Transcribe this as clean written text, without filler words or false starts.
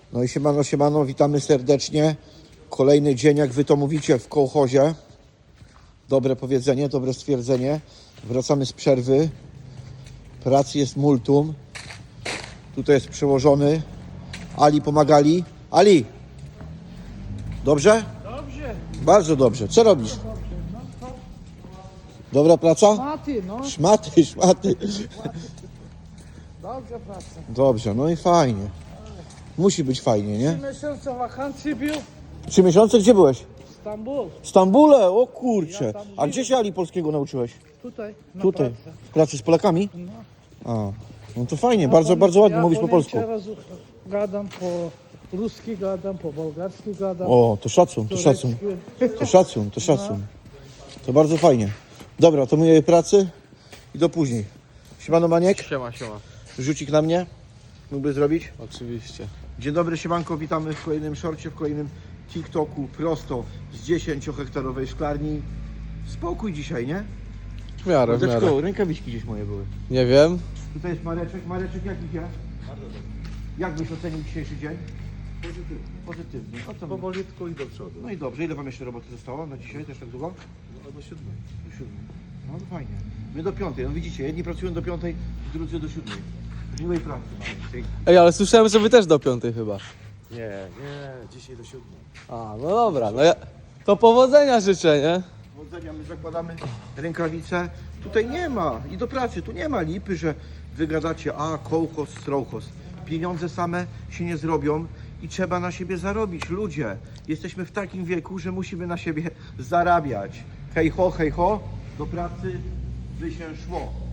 No i siemano, siemano, witamy serdecznie. Kolejny dzień, jak wy to mówicie, w kołchozie. Dobre powiedzenie, dobre stwierdzenie. Wracamy z przerwy. Pracy jest multum. Tutaj jest przełożony. Ali pomagali. Ali! Dobrze? Dobrze. Bardzo dobrze. Co robisz? Dobra praca? Szmaty, no. Szmaty, szmaty. Dobrze praca. Dobrze, no i fajnie. Musi być fajnie, nie? 3 miesiące wakacji był. 3 miesiące? Gdzie byłeś? Stambul. W Stambule? O kurcze. Ja tam A gdzie się Ali polskiego nauczyłeś? Tutaj. Na Tutaj. pracy. W pracy z Polakami? No. A, no to fajnie, bardzo ładnie mówisz po polsku. Ja gadam po ruski, gadam po bułgarski, gadam. O, to szacun, to szacun. turecki. To szacun, to szacun. To bardzo fajnie. Dobra, to myję pracy i do później. Siemano Maniek, Siema, siema. rzucik na mnie. Mógłby zrobić? Oczywiście. Dzień dobry, siemanko, witamy w kolejnym shorcie, w kolejnym TikToku prosto z 10-hektarowej szklarni. Spokój dzisiaj, nie? W miarę, w miarę. Mordeczko, rękawiczki gdzieś moje były. Nie wiem. Tutaj jest Mareczek. Mareczek, jak idzie? Bardzo dobrze. Jak byś ocenił dzisiejszy dzień? Pozytywnie. Pozytywnie. O co mi? Powolutku i do przodu. No i dobrze. Ile wam jeszcze roboty zostało na dzisiaj? Też tak długo? No do 7. Do 7. No to fajnie. My do 5. No widzicie, jedni pracują do 5, drudzy do 7. Miłej pracy mamy. Ej, ale słyszałem, że wy też do 5 chyba. Nie, dzisiaj do 7. A, no dobra, no ja... To powodzenia życzę, nie? Powodzenia, my zakładamy rękawice. Tutaj nie ma, i do pracy, tu nie ma lipy, że wy gadacie, a kołchoz, strołchoz. Pieniądze same się nie zrobią i trzeba na siebie zarobić. Ludzie, jesteśmy w takim wieku, że musimy na siebie zarabiać. Hej ho, do pracy by się szło.